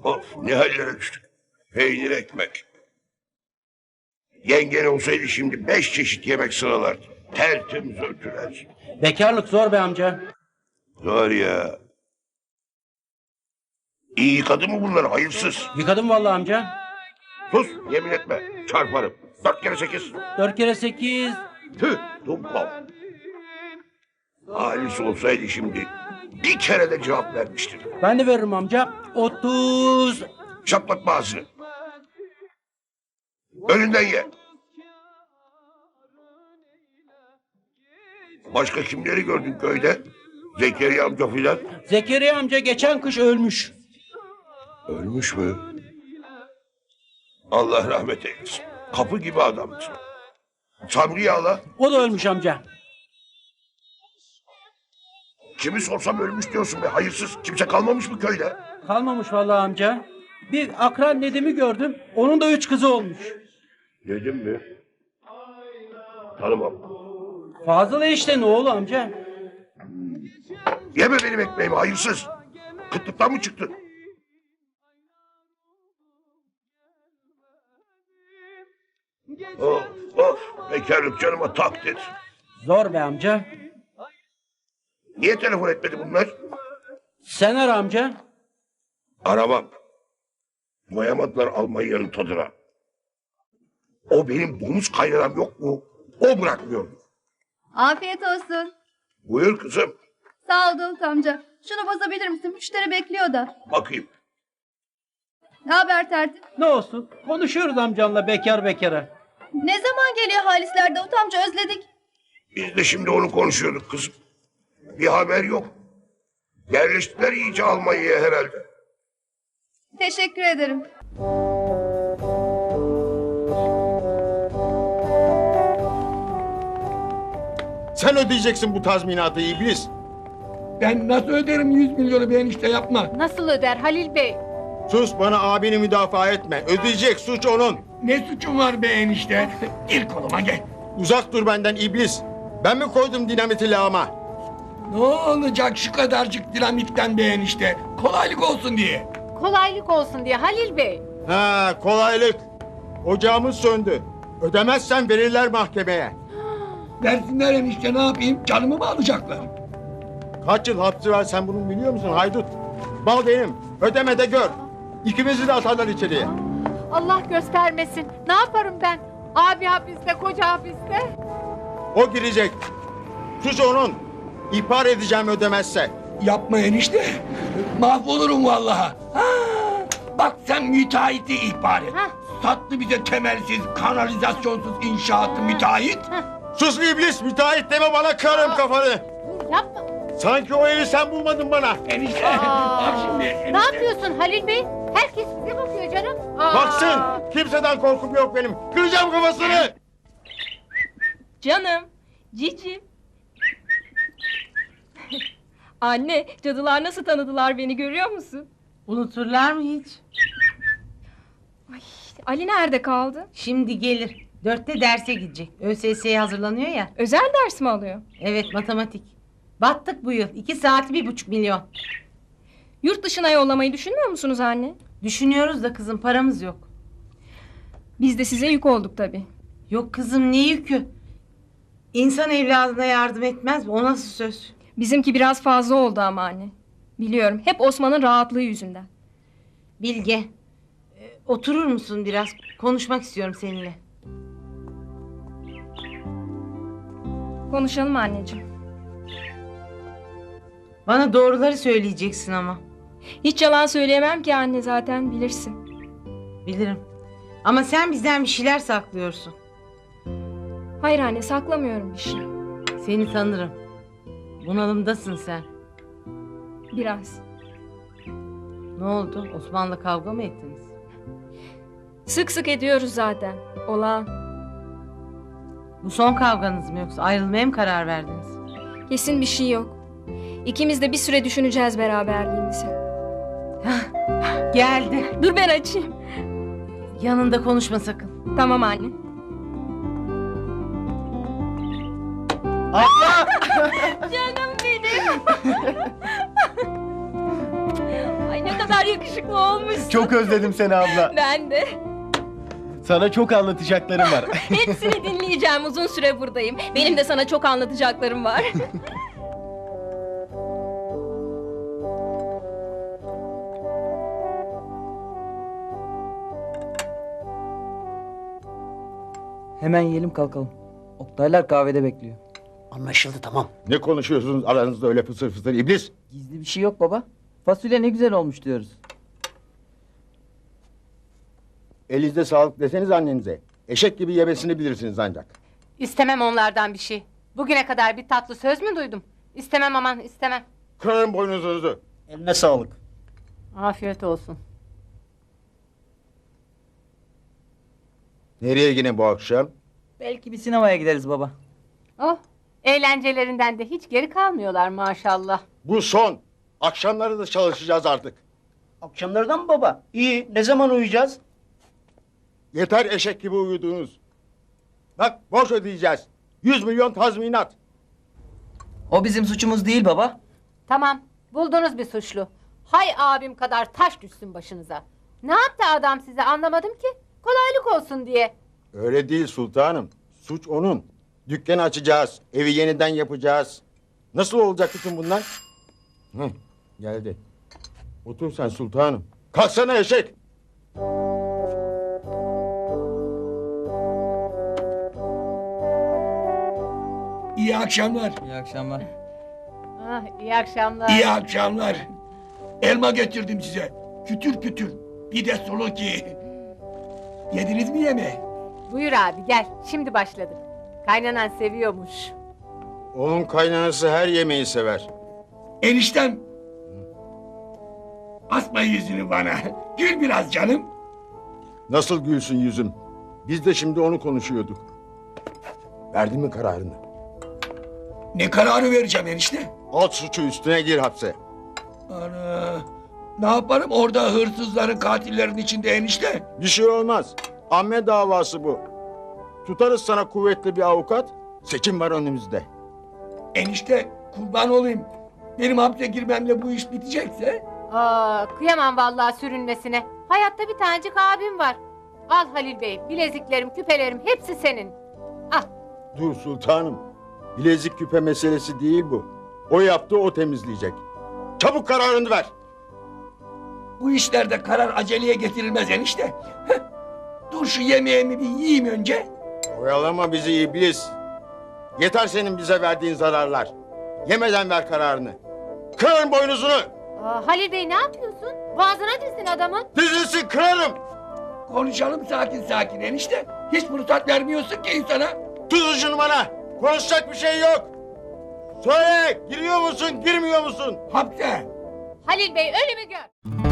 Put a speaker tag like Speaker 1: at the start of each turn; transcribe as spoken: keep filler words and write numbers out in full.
Speaker 1: Of, ne hallere düştük. Peynir ekmek. Yengen olsaydı şimdi beş çeşit yemek sıralardı. Tertemiz örtüler.
Speaker 2: Bekarlık zor be amca.
Speaker 1: Zor ya. İyi yıkadı mı bunları hayırsız?
Speaker 2: Yıkadım vallahi amca.
Speaker 1: Sus, yemin etme. Çarparım. Dört kere sekiz.
Speaker 2: Dört kere sekiz.
Speaker 1: Tüh, dumkov. Halis olsaydı şimdi bir kere de cevap vermiştir.
Speaker 2: Ben de veririm amca. Otuz.
Speaker 1: Şaplatma ağzını. Önünden ye. Başka kimleri gördün köyde? Zekeriya amca filan.
Speaker 2: Zekeriya amca geçen kış ölmüş.
Speaker 1: Ölmüş mü? Allah rahmet eylesin. Kapı gibi adamdı. Sabri Yağla.
Speaker 2: O da ölmüş amca.
Speaker 1: Kimi sorsam ölmüş diyorsun be hayırsız. Kimse kalmamış mı köyde?
Speaker 2: Kalmamış vallahi amca. Bir akran Nedim'i gördüm. Onun da üç kızı olmuş.
Speaker 1: Nedim mi? Tanımam.
Speaker 2: Fazıl işte ne oğlu amca.
Speaker 1: Yeme benim ekmeğimi hayırsız. Kıtlıktan mı çıktın? Of of, bekarlık canıma tak dedi.
Speaker 2: Zor be amca.
Speaker 1: Niye telefon etmedi bunlar?
Speaker 2: Sen ara amca.
Speaker 1: Aramam. Doyamadılar Almanya'nın tadına. O benim domuz kaynanam yok mu? O bırakmıyor.
Speaker 3: Afiyet olsun.
Speaker 1: Buyur kızım.
Speaker 3: Sağ ol Davut amca. Şunu bozabilir misin? Müşteri bekliyor da.
Speaker 1: Bakayım.
Speaker 3: Ne haber tertip?
Speaker 2: Ne olsun? Konuşuyoruz amcanla bekar bekara.
Speaker 3: Ne zaman geliyor Halisler Davut amca, özledik.
Speaker 1: Biz de şimdi onu konuşuyorduk kızım. Bir haber yok. Yerleştiler iyice Almanya'ya herhalde.
Speaker 3: Teşekkür ederim.
Speaker 4: Sen ödeyeceksin bu tazminatı iblis.
Speaker 5: Ben nasıl öderim yüz milyonu be enişte yapma.
Speaker 6: Nasıl öder Halil Bey?
Speaker 4: Sus, bana abini müdafaa etme. Ödeyecek, suç onun.
Speaker 5: Ne suçum var be enişte? Gir koluma gel.
Speaker 4: Uzak dur benden iblis. Ben mi koydum dinamiti lağıma?
Speaker 5: Ne olacak şu kadarcık dinamitten be enişte? Kolaylık olsun diye.
Speaker 6: Kolaylık olsun diye Halil Bey.
Speaker 4: Ha, kolaylık. Ocağımız söndü. Ödemezsen verirler mahkemeye.
Speaker 5: Versinler enişte, ne yapayım? Canımı mı alacaklar?
Speaker 4: Kaç yıl hapsi var sen bunu biliyor musun haydut? Bal benim. Ödeme de gör. İkimizi de atarlar içeriye.
Speaker 6: Allah göstermesin. Ne yaparım ben? Abi hapiste, koca hapiste.
Speaker 4: O girecek. Suç onun. İhbar edeceğim ödemezse.
Speaker 5: Yapma enişte. Mahvolurum vallahi. Ha, bak sen müteahhiti ihbar et.
Speaker 6: Hah.
Speaker 5: Sattı bize temelsiz, kanalizasyonsuz inşaatı müteahhit.
Speaker 4: Sus iblis, müteahhit deme bana, kırarım kafanı.
Speaker 6: Yapma.
Speaker 4: Sanki o evi sen bulmadın bana.
Speaker 5: Enişte,
Speaker 6: Aa,
Speaker 5: bak şimdi enişte.
Speaker 6: Ne yapıyorsun Halil Bey? Herkes bize bakıyor canım. Aa.
Speaker 4: Baksın, kimseden korkum yok benim. Kıracağım kafasını.
Speaker 7: Canım, Cici. Anne, cadılar nasıl tanıdılar beni görüyor musun?
Speaker 8: Unuturlar mı hiç?
Speaker 7: Ali nerede kaldı?
Speaker 8: Şimdi gelir. Dörtte derse gidecek. ÖSS'ye hazırlanıyor ya.
Speaker 7: Özel ders mi alıyor?
Speaker 8: Evet, matematik. Battık bu yıl. İki saati bir buçuk milyon.
Speaker 7: Yurt dışına yollamayı düşünmüyor musunuz anne?
Speaker 8: Düşünüyoruz da kızım, paramız yok.
Speaker 7: Biz de size yük olduk tabii.
Speaker 8: Yok kızım, ne yükü? İnsan evladına yardım etmez mi? O nasıl söz?
Speaker 7: Bizimki biraz fazla oldu ama anne. Biliyorum, hep Osman'ın rahatlığı yüzünden.
Speaker 8: Bilge, e, oturur musun biraz? Konuşmak istiyorum seninle.
Speaker 7: Konuşalım anneciğim.
Speaker 8: Bana doğruları söyleyeceksin ama.
Speaker 7: Hiç yalan söyleyemem ki anne, zaten bilirsin.
Speaker 8: Bilirim. Ama sen bizden bir şeyler saklıyorsun.
Speaker 7: Hayır anne, saklamıyorum bir şey.
Speaker 8: Seni tanırım. Bunalımdasın sen.
Speaker 7: Biraz.
Speaker 8: Ne oldu? Osman'la kavga mı ettiniz?
Speaker 7: Sık sık ediyoruz zaten. Olağan.
Speaker 8: Bu son kavganız mı, yoksa ayrılmaya mı karar verdiniz?
Speaker 7: Kesin bir şey yok. İkimiz de bir süre düşüneceğiz beraberliğimizi.
Speaker 8: Geldi.
Speaker 7: Dur ben açayım.
Speaker 8: Yanında konuşma sakın.
Speaker 7: Tamam anne.
Speaker 4: Abla!
Speaker 7: Canım benim. Ay ne kadar yakışıklı olmuşsun.
Speaker 9: Çok özledim seni abla.
Speaker 7: Ben de.
Speaker 9: Sana çok anlatacaklarım var.
Speaker 7: Hepsini dinleyeceğim. Uzun süre buradayım. Benim de sana çok anlatacaklarım var.
Speaker 10: Hemen yiyelim kalkalım. Oktaylar kahvede bekliyor.
Speaker 2: Anlaşıldı tamam.
Speaker 4: Ne konuşuyorsunuz aranızda öyle fısır fısır iblis?
Speaker 10: Gizli bir şey yok baba. Fasulye ne güzel olmuş diyoruz.
Speaker 4: Elinizde sağlık deseniz annenize. Eşek gibi yemesini bilirsiniz ancak.
Speaker 8: İstemem onlardan bir şey. Bugüne kadar bir tatlı söz mü duydum? İstemem aman istemem.
Speaker 4: Kırarım boynuzunuzu.
Speaker 9: Eline sağlık.
Speaker 8: Afiyet olsun.
Speaker 4: Nereye yine bu akşam?
Speaker 10: Belki bir sinemaya gideriz baba.
Speaker 8: Oh, eğlencelerinden de hiç geri kalmıyorlar maşallah.
Speaker 4: Bu son. Akşamları da çalışacağız artık.
Speaker 2: Akşamlardan mı baba? İyi. Ne zaman uyuyacağız?
Speaker 4: Yeter eşek gibi uyudunuz. Bak borç ödeyeceğiz. Yüz milyon tazminat.
Speaker 10: O bizim suçumuz değil baba.
Speaker 8: Tamam, buldunuz bir suçlu. Hay abim kadar taş düşsün başınıza. Ne yaptı adam size anlamadım ki. Kolaylık olsun diye.
Speaker 4: Öyle değil sultanım. Suç onun. Dükkanı açacağız. Evi yeniden yapacağız. Nasıl olacak bütün bunlar? Hı, geldi. Otur sen sultanım. Kalksana eşek.
Speaker 5: İyi akşamlar.
Speaker 10: İyi akşamlar.
Speaker 8: Ah, iyi akşamlar.
Speaker 5: İyi akşamlar. Elma getirdim size. Kütür kütür. Bir de sulu ki. Yediniz mi yemeği?
Speaker 8: Buyur abi gel, şimdi başladık. Kaynanan seviyormuş.
Speaker 4: Onun kaynanası her yemeği sever.
Speaker 5: Eniştem. Asma yüzünü bana. Gül biraz canım.
Speaker 4: Nasıl gülsün yüzüm? Biz de şimdi onu konuşuyorduk. Verdin mi kararını?
Speaker 5: Ne kararı vereceğim enişte?
Speaker 4: At suçu üstüne gir hapse.
Speaker 5: Ana. Ne yaparım orada hırsızların katillerin içinde enişte?
Speaker 4: Bir şey olmaz. Amme davası bu. Tutarız sana kuvvetli bir avukat. Seçim var önümüzde.
Speaker 5: Enişte kurban olayım. Benim hapse girmemle bu iş bitecekse.
Speaker 8: Aa, kıyamam vallahi sürünmesine. Hayatta bir tanecik abim var. Al Halil Bey, bileziklerim, küpelerim hepsi senin. Al.
Speaker 4: Dur sultanım. Bilezik küpe meselesi değil bu. O yaptı, o temizleyecek. Çabuk kararını ver.
Speaker 5: Bu işlerde karar aceleye getirilmez enişte. Heh. Dur şu yemeğimi bir yiyeyim önce.
Speaker 4: Oyalama bizi iblis. Yeter senin bize verdiğin zararlar. Yemeden ver kararını. Kırarım boynuzunu.
Speaker 8: Aa, Halil Bey ne yapıyorsun? Boğazına dizsin adamın.
Speaker 4: Dizilsin kırarım.
Speaker 5: Konuşalım sakin sakin enişte. Hiç fırsat vermiyorsun ki insana.
Speaker 4: Tuz ucunu bana. Konuşacak bir şey yok. Söyle, giriyor musun, girmiyor musun?
Speaker 5: Hapse.
Speaker 8: Halil Bey ölümü gör.